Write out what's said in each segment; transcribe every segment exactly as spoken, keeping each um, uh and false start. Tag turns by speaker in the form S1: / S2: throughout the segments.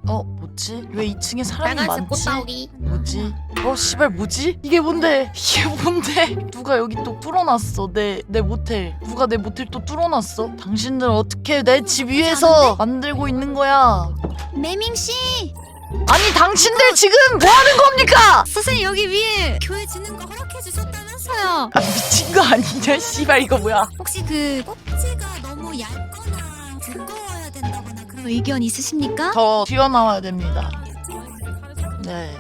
S1: 어 뭐지? 왜 이 층에 사람이
S2: 빨간색
S1: 많지?
S2: 꽃다우리.
S1: 뭐지? 어 씨발 뭐지? 이게 뭔데? 이게 뭔데? 누가 여기 또 뚫어놨어 내 내 모텔. 누가 내 모텔 또 뚫어놨어? 당신들 어떻게 내 집 위에서 만들고 있는 거야?
S2: 매밍씨!
S1: 아니 당신들 지금 뭐 하는 겁니까?
S2: 선생님 여기 위에 교회 짓는 거 허락해 주셨다면서요.
S1: 아 미친 거 아니냐? 씨발 이거 뭐야?
S2: 혹시 그 꼭지가 너무 얇거나 두꺼워야 된다거나 그런 의견 있으십니까?
S1: 더 튀어나와야 됩니다. 네.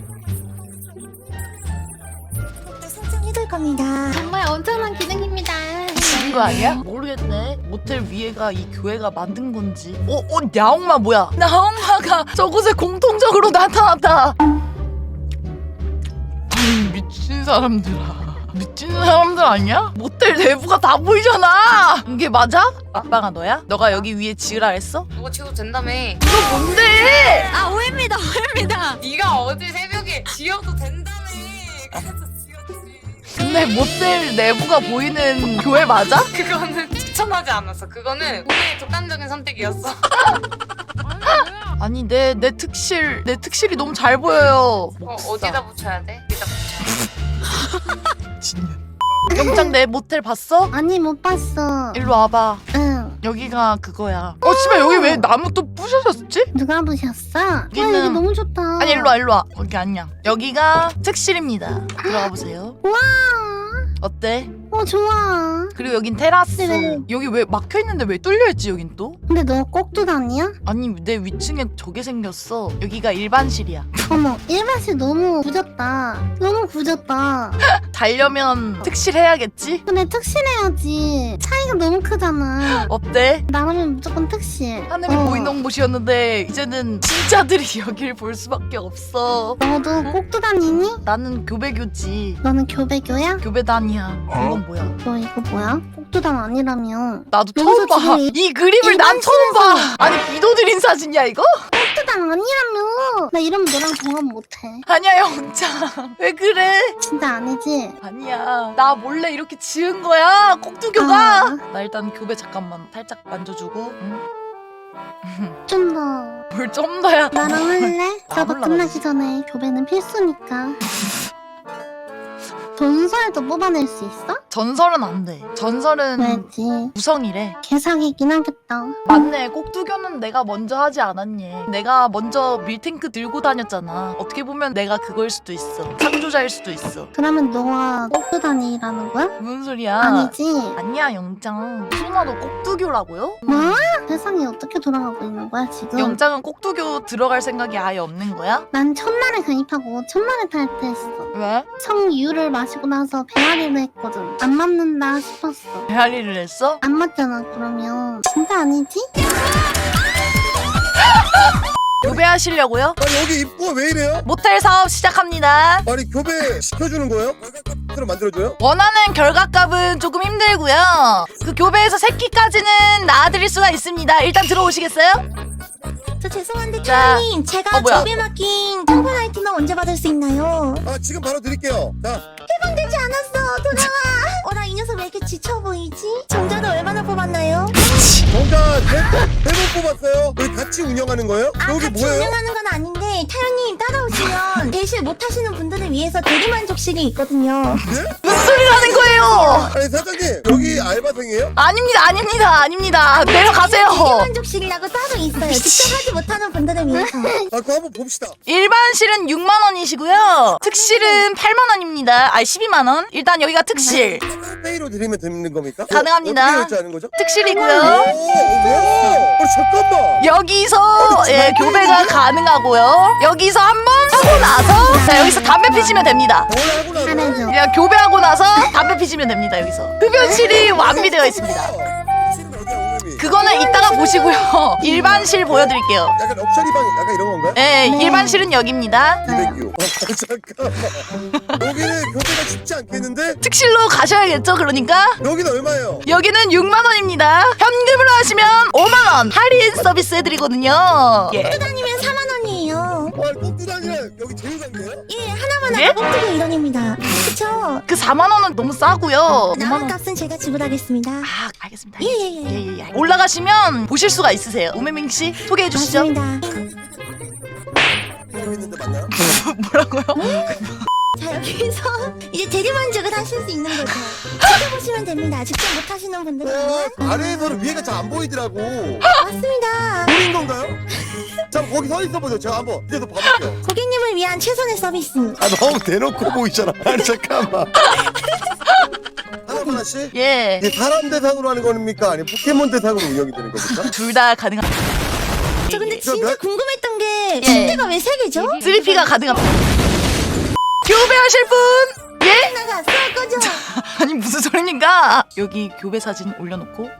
S2: 설정해둘 겁니다. 정말 엄청난 기능입니다.
S1: 미친 거 아니야? 모르겠네. 모텔 위에가 이 교회가 만든 건지. 어, 어, 야옹마 뭐야? 나옹마가 저곳에 공통적으로 나타났다. 아니 미친 사람들아. 미친 사람들 아니야? 모텔 내부가 다 보이잖아. 이게 맞아? 아빠가 너야? 너가 여기 위에 지으라 했어?
S3: 그거 지어도 된다며.
S1: 이거 뭔데?
S2: 아 오해입니다 오해입니다.
S3: 네가 어제 새벽에 지어도 된다며. 그래서 지었지.
S1: 근데 모텔 내부가 보이는 교회 맞아?
S3: 그거는 추천하지 않았어. 그거는 우리의 독단적인 선택이었어.
S1: 아니 내 내 특실 내 특실이 너무 잘 보여요.
S3: 어, 어디다 붙여야 돼? 여기다 붙여.
S1: 진짜. 영장 내 모텔 봤어?
S4: 아니 못 봤어.
S1: 일로 와봐.
S4: 응.
S1: 여기가 그거야. 어 씨발 여기 왜 나무 또 부셔졌지?
S4: 누가 보셨어? 와
S1: 여기는-
S4: 여기 너무 좋다.
S1: 아니 일로 와 일로 와. 거기 아니야. 여기가 특실입니다. 들어가 보세요.
S4: 와.
S1: 어때?
S4: 어 좋아.
S1: 그리고 여긴 테라스.
S4: 네네.
S1: 여기 왜 막혀 있는데 왜 뚫려 있지 여긴 또?
S4: 근데 너 꼭두 다니야?
S1: 아니 내 위층에 저게 생겼어. 여기가 일반실이야.
S4: 어머 일반실 너무 굳었다. 너무 굳었다.
S1: 달려면 특실 해야겠지?
S4: 근데 특실해야지. 차이가 너무 크잖아.
S1: 어때?
S4: 나라면 무조건 특실.
S1: 하늘이
S4: 어.
S1: 보이는 곳이었는데 이제는 진짜들이 여길 볼 수밖에 없어.
S4: 너도 꼭두 다니니?
S1: 나는 교배교지.
S4: 너는 교배교야?
S1: 교배단이야. 이건 뭐야?
S4: 너 이거 뭐야? 꼭두단 아니라며.
S1: 나도
S4: 여기서
S1: 처음 봐.
S4: 지금
S1: 이 그림을 난 처음 봐. 아니 비도드린 사진이야 이거?
S4: 꼭두단 아니라며. 나 이러면 너랑 동업 못해.
S1: 아니야 영장. 왜 그래?
S4: 진짜 아니지?
S1: 아니야. 나 몰래 이렇게 지은 거야. 꼭두교가.
S4: 아.
S1: 나 일단 교배 잠깐만 살짝 만져주고. 응?
S4: 좀 더.
S1: 뭘 좀 더야.
S4: 나랑 할래?
S1: 아,
S4: 수업
S1: 몰라,
S4: 끝나기 전에 교배는 필수니까. 전설도 뽑아낼 수 있어?
S1: 전설은 안 돼. 전설은
S4: 왜지?
S1: 구성이래.
S4: 개사기긴 하겠다.
S1: 맞네. 꼭두교는 내가 먼저 하지 않았니? 내가 먼저 밀탱크 들고 다녔잖아. 어떻게 보면 내가 그걸 수도 있어. 창조자일 수도 있어.
S4: 그러면 너가 꼭두단이라는 거야?
S1: 무슨 소리야?
S4: 아니지?
S1: 아니야 영장. 소나도 꼭두교라고요?
S4: 뭐? 세상이 어떻게 돌아가고 있는 거야 지금?
S1: 영장은 꼭두교 들어갈 생각이 아예 없는 거야?
S4: 난 첫날에 가입하고 첫날에 탈퇴했어.
S1: 왜?
S4: 성유를 마시고 나서 배앓이를 했거든. 안 맞는다 싶었어.
S1: 배앓이를 했어?
S4: 안 맞잖아 그러면. 진짜 아니지?
S1: 교배하시려고요?
S5: 아니 여기 입구가 왜 이래요?
S1: 모텔 사업 시작합니다.
S5: 아니 교배 시켜주는 거예요? 월급으로 만들어줘요?
S1: 원하는 결과값은 조금 힘들고요. 그 교배에서 새끼까지는 낳아드릴 수가 있습니다. 일단 들어오시겠어요?
S2: 저 죄송한데
S1: 자.
S2: 타연님 제가
S1: 어, 뭐야?
S2: 교배 맡긴 청분 아이템은 언제 받을 수 있나요?
S5: 아 지금 바로 드릴게요. 자
S2: 되지 않았어 돌아와. 어 나 이 녀석 왜 이렇게 지쳐 보이지? 정자는 얼마나 뽑았나요?
S5: 정자 대본 뽑았어요. 여기 같이 운영하는 거예요?
S2: 아
S5: 여기
S2: 같이
S5: 뭐예요?
S2: 운영하는 건 아닌데 타연님 따라오시면 대실 못하시는 분들을 위해서 대리만족실이 있거든요.
S1: 무슨 소리를 하는 거예요?
S5: 아니 사장님 여기 알바생이에요?
S1: 아닙니다, 아닙니다, 아닙니다. 내려가세요.
S2: 대리만족실이라고 따로 있어요. 직접 하지 못하는 분들을 위해서.
S5: 아 그거 한번 봅시다.
S1: 일반실은 육만 원이시고요. 특실은 팔만 원입니다. 아니 십이만 원. 일단 여기가 특실.
S5: 페이로 드리면 되는 겁니까?
S1: 가능합니다.
S5: 어떻게 결제하는 거죠?
S1: 특실이고요.
S5: 오 뭐야? 어 잠깐만.
S1: 여기서 예, 교배가 가능하고요. 여기서 한 번 하고 나서 자 여기서 담배 피시면 됩니다.
S5: 뭘 하고 나서?
S4: 잘해줘.
S1: 그냥 교배하고 나서 담배 피시면 됩니다. 여기서 흡연실이 완비되어 있습니다.
S5: 지금 어디야 오늘이?
S1: 그거는 이따가 보시고요. 일반실 보여드릴게요.
S5: 약간 럭셔리 방 약간 이런 건가요?
S1: 예,
S4: 네.
S1: 일반실은 여기입니다.
S5: 이백유. 아, 잠깐만. 여기는 교배가 쉽지 않겠는데?
S1: 특실로 가셔야겠죠. 그러니까
S5: 여기는 얼마예요?
S1: 여기는 육만 원입니다. 현금으로 하시면 오만 원 할인 서비스 해드리거든요. 예.
S2: 아니면 사만 원이에요.
S5: 와 꼭두다니는 여기 제일 상이에요?
S2: 예 하나만
S1: 예?
S2: 하고 꼭두고 이런입니다. 그쵸?
S1: 그 사만 원은 너무 싸고요. 오만
S2: 남은
S1: 원.
S2: 값은 제가 지불하겠습니다.
S1: 아, 알겠습니다.
S2: 예예예.
S1: 예, 예, 예. 올라가시면 보실 수가 있으세요. 오메밍 씨 소개해 주시죠.
S2: 맞습니다.
S5: 있는데 맞나요?
S1: 뭐라고요?
S2: 자 여기서 이제 대리만족을 하실 수 있는 거죠. 찾아보시면 됩니다. 직접 못 하시는 분들은.
S5: 어, 아래에서는 위에가 잘 안 보이더라고.
S2: 맞습니다.
S5: 보인 건가요? 자 거기 서 있어 보세요. 제가 한번 밑에서 봐볼게요.
S2: 고객님을 위한 최선의 서비스입니다.
S5: 아 너무 대놓고 보이잖아. 아니 잠깐만. 하나만 씨?
S1: 예.
S5: 이게 사람 대상으로 하는 겁니까? 아니면 포켓몬 대상으로 운영이 되는 겁니까?
S1: 둘 다 가능한.
S2: 저 근데
S5: 저
S2: 진짜
S5: 몇-
S2: 궁금했던 게
S1: 예.
S2: 침대가 왜 세 개죠?
S1: 쓰리피가 가능합니다. 교배하실 분? 예?
S2: 나가 쏠 거죠?
S1: 아니 무슨 소리입니까? 여기 교배 사진 올려놓고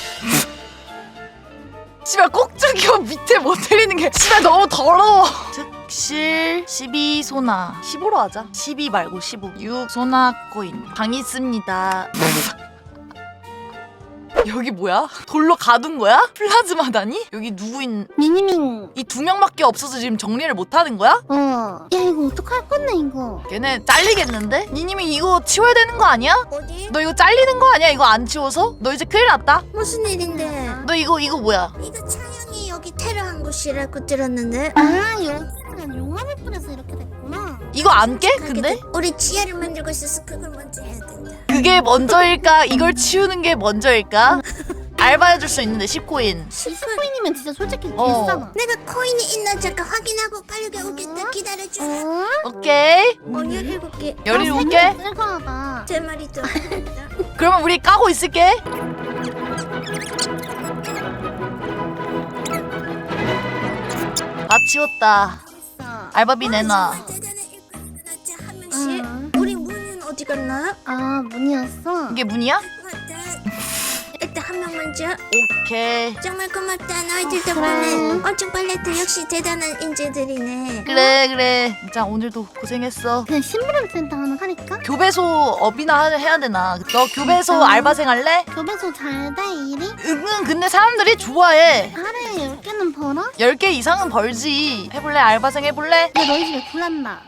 S1: 씨발 꼭저기요 밑에 못 때리는 게 씨발 너무 더러워. 특실 십이 소나 십오로 하자. 십이 말고 십오. 육 소나 코인 방 있습니다. 여기 뭐야? 돌로 가둔 거야? 플라즈마다니? 여기 누구 있...
S4: 미니밍.
S1: 이 두 명밖에 없어서 지금 정리를 못 하는 거야?
S4: 어. 야 이거 어떡할 건데 이거.
S1: 걔네 잘리겠는데? 니님이 이거 치워야 되는 거 아니야?
S2: 어디?
S1: 너 이거 잘리는 거 아니야? 이거 안 치워서? 너 이제 큰일 났다?
S2: 무슨 일인데?
S1: 너 이거 이거 뭐야?
S2: 이거 차영이 여기 테러한 곳이라고 들었는데.
S4: 아 여기는 용암을 뿌려서 이렇게 됐구나.
S1: 이거 안 깨? 근데?
S2: 우리 지하를 만들고 있어서 그걸 먼저 해야 된다.
S1: 그게 먼저일까? 이걸 치우는 게 먼저일까? 알바해줄 수 있는데 십 코인.
S4: 이십 코인이면 진짜 솔직히
S1: 어.
S4: 비싸나.
S2: 내가 코인이 있나 잠깐 확인하고 빠르게 오겠다. 기다려줘.
S4: 어?
S1: 오케이.
S2: 어, 열일곱 개.
S1: 열일곱 개?
S4: 쓸거하다.
S2: 제 말이죠.
S1: 그러면 우리 까고 있을게. 다 치웠다. 알바비 내놔.
S2: 한 명씩.
S4: 응.
S2: 우리 문은 어디 갔나?
S4: 아 문이었어.
S1: 이게 문이야?
S2: 맞다. 일단 한 명 먼저.
S1: 오케이.
S2: 정말 고맙다. 너희들
S4: 어,
S2: 덕분에
S4: 그래.
S2: 엄청 빨랐다. 역시 대단한 인재들이네.
S1: 그래 그래. 자 오늘도 고생했어.
S4: 그냥 심부름 센터 하나 하니까.
S1: 교배소 업이나 하- 해야 되나? 너 교배소 알바생 할래?
S4: 교배소 잘 돼 일이?
S1: 응 근데 사람들이 좋아해.
S4: 하루에 열 개는 벌어?
S1: 열 개 이상은 벌지. 해볼래? 알바생 해볼래?
S4: 근데 너희 집에 굴란다.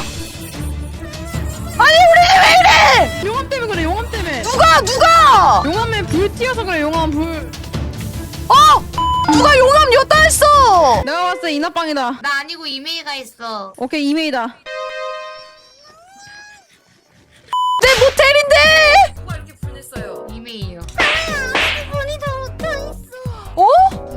S1: 아니 우리 집 왜 이래?
S6: 용암 때문에 그래 용암 때문에
S1: 누가 누가?
S6: 용암에 불 튀어서 그래 용암 불
S1: 어? 누가 용암 엿다 했어?
S6: 내가 봤을 때 이나빵이다.
S3: 나 아니고 이메이가 있어.
S6: 오케이 이메이다.
S1: 내 모텔인데?
S3: 누가 이렇게 불냈어요? 이메이요.
S4: 문이 다 막혀있어.
S1: 어?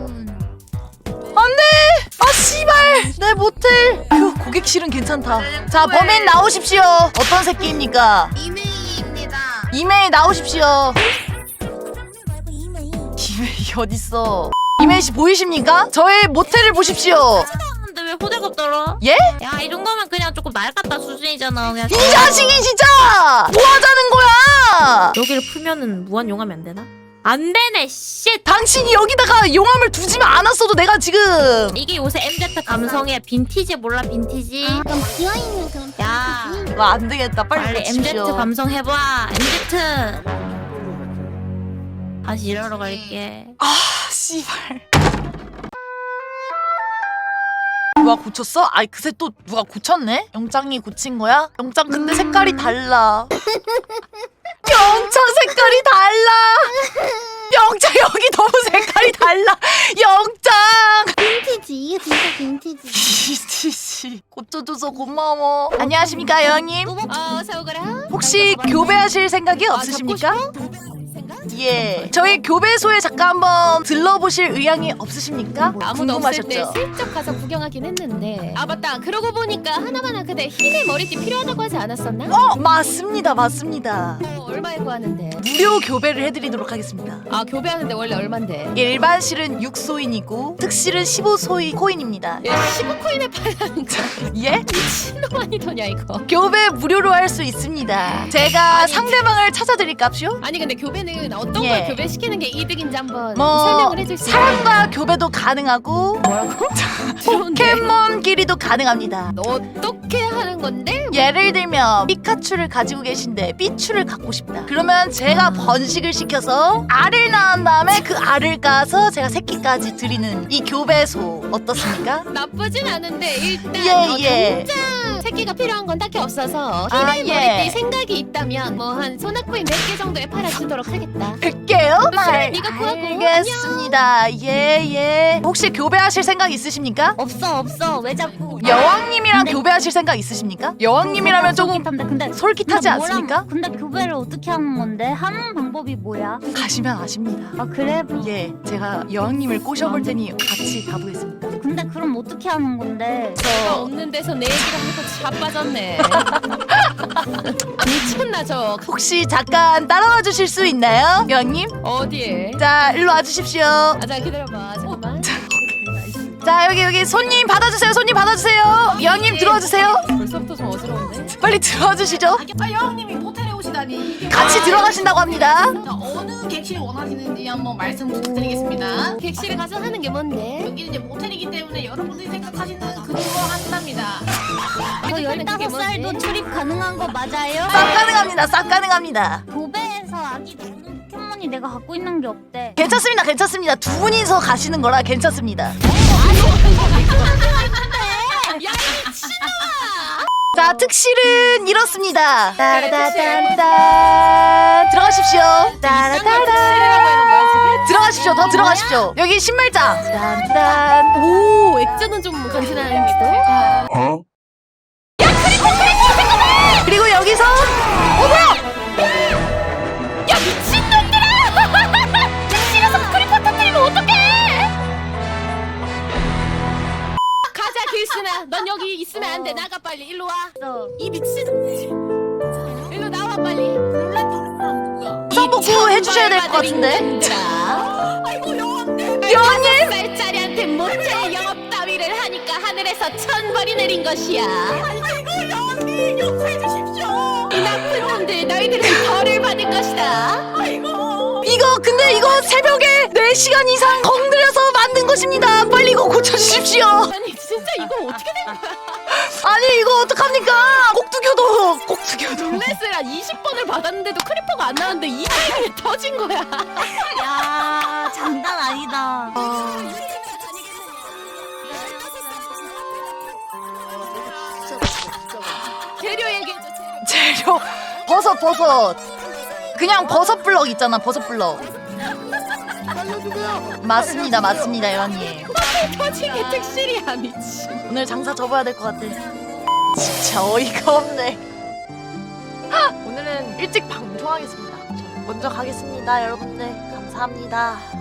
S1: 안돼! 아 씨발! 내 모텔. 휴 고객실은 괜찮다. 자 범인 나오십시오. 어떤 새끼입니까?
S3: 이메이입니다.
S1: 이메일 나오십시오.
S2: 말고 이메일.
S1: 이메일 어딨어? 이메일 씨 보이십니까? 저의 모텔을 보십시오.
S7: 근데 왜 호들갑 떨어?
S1: 예?
S7: 야, 이 정도면 그냥 조금 낡았다 수준이잖아. 그냥
S1: 이 자식이 진짜 뭐 하자는 거야?
S7: 여기를 풀면은 무한 용암이 안 되나? 안 되네, 씨.
S1: 당신이 여기다가 용암을 두지만 않았어도 내가 지금
S7: 이게 요새 엠지 감성의 빈티지 몰라, 빈티지?
S4: 아 그럼 비어있는 그런
S7: 야.
S4: 비어있지?
S1: 와 안 되겠다. 빨리
S7: 빨리 엠지
S1: 고칩시오.
S7: 감성 해봐. 엠지. 다시 일하러 갈게.
S1: 아 씨발. 누가 고쳤어? 아이 그새 또 누가 고쳤네? 영장이 고친 거야? 영장 근데 색깔이 달라. 영장 색깔이 달라. 영장 여기 너무 색깔이 달라. 영장.
S4: 빈티지 이게 진짜 빈티지.
S1: 이씨 고쳐줘서 고마워. 안녕하십니까 여왕님?
S7: 어, 세우그래.
S1: 혹시 교배하실 생각이 없으십니까? 예. 저희 교배소에 잠깐 한번 들러보실 의향이 없으십니까?
S8: 아무도 없을 때
S1: 궁금하셨죠?
S8: 슬쩍 가서 구경하긴 했는데 아 맞다 그러고 보니까 하나하나 그대 흰의 머리띠 필요하다고 하지 않았었나?
S1: 어 맞습니다 맞습니다.
S8: 어, 얼마에 구하는데?
S1: 무료 교배를 해드리도록 하겠습니다.
S8: 아 교배하는데 원래 얼만데?
S1: 일반실은 육 소인이고 특실은 십오 소인 코인입니다.
S8: 야 십오 코인에 팔라니까
S1: 예?
S8: 미친놈 아니더냐 이거.
S1: 교배 무료로 할 수 있습니다. 제가 상대방을 찾아드릴까요?
S8: 아니 근데 교배는 어떤
S1: 예.
S8: 걸 교배시키는 게 이득인지 한번
S1: 뭐
S8: 설명을 해줄 수 있나요?
S1: 사람과 교배도 가능하고
S8: 뭐라고?
S1: 포켓몬끼리도 가능합니다.
S8: 어떻게 하는 건데?
S1: 예를 들면 피카츄를 가지고 계신데 삐츄를 갖고 싶다. 그러면 제가 번식을 시켜서 알을 낳은 다음에 그 알을 까서 제가 새끼까지 드리는 이 교배소 어떻습니까?
S8: 나쁘진 않은데 일단
S1: 예,
S8: 어,
S1: 예.
S8: 당장 새끼가 필요한 건 딱히 없어서
S1: 아,
S8: 흰의
S1: 예.
S8: 머리띠 생각이 있다면 뭐 한 소나코인 몇 개 정도에 팔아주도록 하겠다.
S1: 백 개요?
S8: 술은 네가 구하고.
S1: 알겠습니다. 예예. 혹시 교배하실 생각 있으십니까?
S2: 없어 없어 왜 자꾸
S1: 여왕님이랑
S2: 근데-
S1: 교배하실 생각 있으십니까? 여왕님이라면 조금
S2: 솔깃한데 근데
S1: 솔깃하지
S2: 근데 뭐랑-
S1: 않습니까?
S2: 근데 교배를 어떻게 하는 건데? 하는 방법이 뭐야?
S1: 가시면 아십니다.
S2: 아 그래?
S1: 예, 제가 여왕님을 꼬셔볼 테니 같이 가보겠습니다.
S2: 근데 그럼 어떻게 하는 건데?
S8: 내가 없는 데서 내 얘기를 하면서 자빠졌네. 미쳤나 저.
S1: 혹시 잠깐 따라와 주실 수 있나요? 여왕님?
S8: 어디에?
S1: 자, 일로 와주십시오.
S8: 아, 자 기다려봐. 잠깐만.
S1: 자, 여기 여기 손님 받아주세요. 손님 받아주세요. 여왕님 들어와 주세요.
S8: 벌써부터 좀 어지러운데?
S1: 빨리 들어와 주시죠.
S9: 아, 여왕님이 모텔에 오시다니. 이게
S1: 같이 들어가신다고 합니다.
S9: 자, 어느 객실 원하시는지 한번 말씀 부탁드리겠습니다.
S8: 객실에 가서 하는 게 뭔데?
S9: 여기는 이제 모텔이기 때문에 여러분들이 생각하시는 그거 한답니다.
S2: 저 열다섯 살도 출입 가능한 거 맞아요?
S1: 싹 가능합니다. 싹 가능합니다.
S2: 교배에서 아기 낳는 포켓몬이 내가 갖고 있는 게 없대.
S1: 괜찮습니다. 괜찮습니다. 두 분이서 가시는 거라 괜찮습니다. 자, 특실은 이렇습니다. 따라다단단 들어가십시오. 따라다단 들어가십시오. 더 들어가십시오. 여기 신발장. 딴딴.
S8: 오, 액자는 좀 간지나는데도?
S1: 그리고 여기서 어 뭐야?
S8: 야 미친놈들아! 객실에서 크리퍼 터뜨리면 어떡해! 가자 길순아, 넌 여기 있으면 안 돼. 나가 빨리. 일로 와. 이 미친. 일로 나와 빨리.
S1: 성복구 해주셔야 될 것 같은데.
S8: 아이고 여왕님.
S1: 여왕님!
S8: 쌀짜리한테 모텔 영업 따위를 하니까 하늘에서 천벌이 내린 것이야. 아이고 여왕님 용서해 주십시오. 이 나쁜 놈들, 너희들은 벌을 받을 것이다. 아이고.
S1: 이거 근데 이거 새벽에 네 시간 이상 건드려서 만든 것입니다. 빨리 이거 고쳐주십시오.
S8: 아니 진짜 이거 어떻게 된 거야?
S1: 아니 이거 어떡합니까? 꼭두교도 꼭두교도.
S8: 블레스를 한 이십 번을 받았는데도 크리퍼가 안 나왔는데 이 타이밍에 터진 거야.
S2: 야 장난 아니다.
S8: 재료 얘기해줘. 재료.
S1: 재료 버섯 버섯. 그냥 버섯 블럭 있잖아. 버섯 블럭. 맞습니다. 맞습니다. 여왕님.
S8: 터진 게 특실이야 미친.
S1: 오늘 장사 접어야 될 것 같아. 진짜 어이가 없네. 오늘은 일찍 방송하겠습니다. 저 먼저 가겠습니다. 여러분들 감사합니다.